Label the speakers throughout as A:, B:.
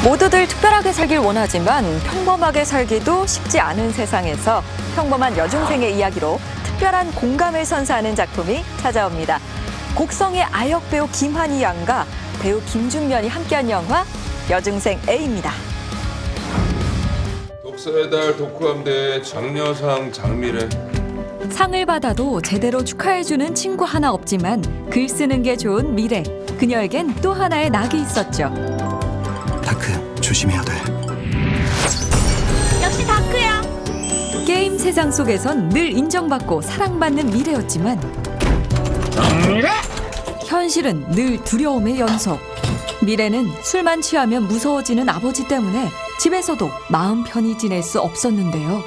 A: 모두들 특별하게 살길 원하지만 평범하게 살기도 쉽지 않은 세상에서 평범한 여중생의 이야기로 특별한 공감을 선사하는 작품이 찾아옵니다. 곡성의 아역 배우 김한희 양과 배우 김준면이 함께한 영화 여중생 A입니다.
B: 독서의 달 독후감대회 장려상 장미래.
A: 상을 받아도 제대로 축하해주는 친구 하나 없지만 글 쓰는 게 좋은 미래. 그녀에겐 또 하나의 낙이 있었죠.
C: 다크, 조심해야 돼.
D: 역시 다크야.
A: 게임 세상 속에선 늘 인정받고 사랑받는 미래였지만 현실은 늘 두려움의 연속. 미래는 술만 취하면 무서워지는 아버지 때문에 집에서도 마음 편히 지낼 수 없었는데요.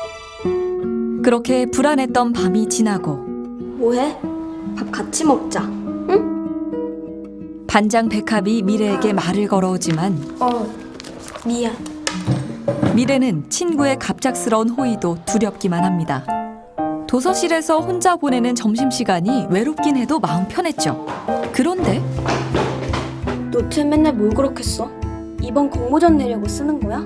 A: 그렇게 불안했던 밤이 지나고
D: 뭐해? 밥 같이 먹자. 응?
A: 반장 백합이 미래에게 말을 걸어오지만
D: 미안.
A: 미래는 친구의 갑작스러운 호의도 두렵기만 합니다. 도서실에서 혼자 보내는 점심시간이 외롭긴 해도 마음 편했죠. 그런데
D: 노트에 맨날 뭘 그렇게 써? 이번 공모전 내려고 쓰는 거야?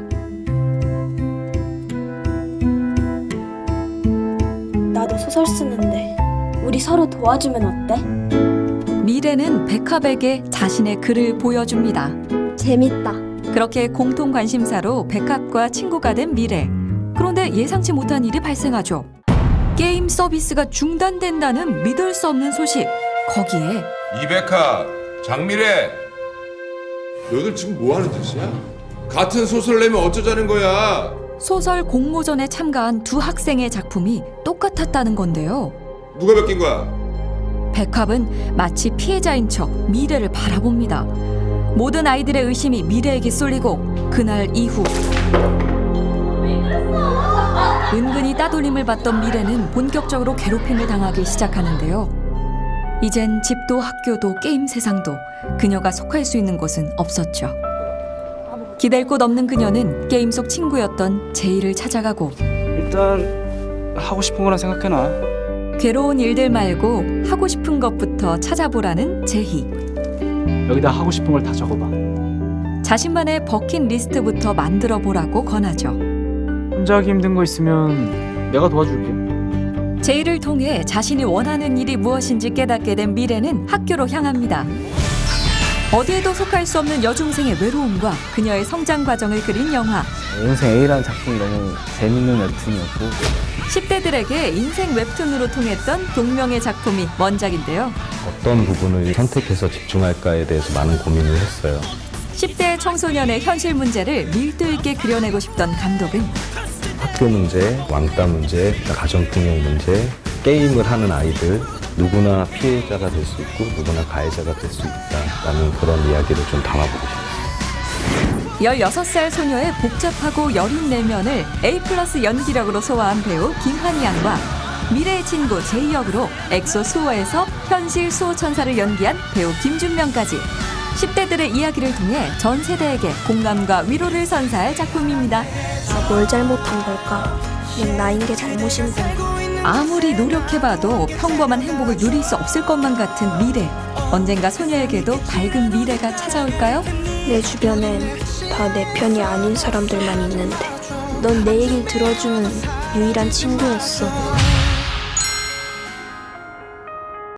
D: 나도 소설 쓰는데 우리 서로 도와주면 어때?
A: 미래는 백합에게 자신의 글을 보여줍니다.
D: 재밌다.
A: 그렇게 공통 관심사로 백합과 친구가 된 미래. 그런데 예상치 못한 일이 발생하죠. 게임 서비스가 중단된다는 믿을 수 없는 소식. 거기에
B: 이백하, 장미래. 너희들 지금 뭐 하는 짓이야? 같은 소설 내면 어쩌자는 거야?
A: 소설 공모전에 참가한 두 학생의 작품이 똑같았다는 건데요.
B: 누가 베낀 거야?
A: 백합은 마치 피해자인 척 미래를 바라봅니다. 모든 아이들의 의심이 미래에게 쏠리고 그날 이후 은근히 따돌림을 받던 미래는 본격적으로 괴롭힘을 당하기 시작하는데요. 이젠 집도 학교도 게임 세상도 그녀가 속할 수 있는 곳은 없었죠. 기댈 곳 없는 그녀는 게임 속 친구였던 제이를 찾아가고
E: 일단 하고 싶은 거나 생각해놔.
A: 괴로운 일들 말고 하고 싶은 것부터 찾아보라는 제희.
E: 여기다 하고 싶은 걸 다 적어봐.
A: 자신만의 버킷리스트부터 만들어 보라고 권하죠.
E: 혼자 하기 힘든 거 있으면 내가 도와줄게.
A: 제이를 통해 자신이 원하는 일이 무엇인지 깨닫게 된 미래는 학교로 향합니다. 어디에도 속할 수 없는 여중생의 외로움과 그녀의 성장 과정을 그린 영화.
E: 인생 A라는 작품이 너무 재밌는 웹툰이었고
A: 10대들에게 인생 웹툰으로 통했던 동명의 작품이 원작인데요.
F: 어떤 부분을 선택해서 집중할까에 대해서 많은 고민을 했어요.
A: 10대 청소년의 현실 문제를 밀도 있게 그려내고 싶던 감독은
F: 학교 문제, 왕따 문제, 가정폭력 문제, 게임을 하는 아이들 누구나 피해자가 될 수 있고 누구나 가해자가 될 수 있다라는 그런 이야기를 좀 담아보고 싶어요.
A: 16살 소녀의 복잡하고 여린 내면을 A+ 연기력으로 소화한 배우 김한희 양과 미래의 친구 제이 역으로 엑소 수호에서 현실 수호 천사를 연기한 배우 김준면까지 10대들의 이야기를 통해 전 세대에게 공감과 위로를 선사할 작품입니다.
D: 나 뭘 잘못한 걸까? 난 나인 게 잘못인데.
A: 아무리 노력해봐도 평범한 행복을 누릴 수 없을 것만 같은 미래. 언젠가 소녀에게도 밝은 미래가 찾아올까요?
D: 내 주변엔 다 내 편이 아닌 사람들만 있는데 넌 내 얘기를 들어주는 유일한 친구였어.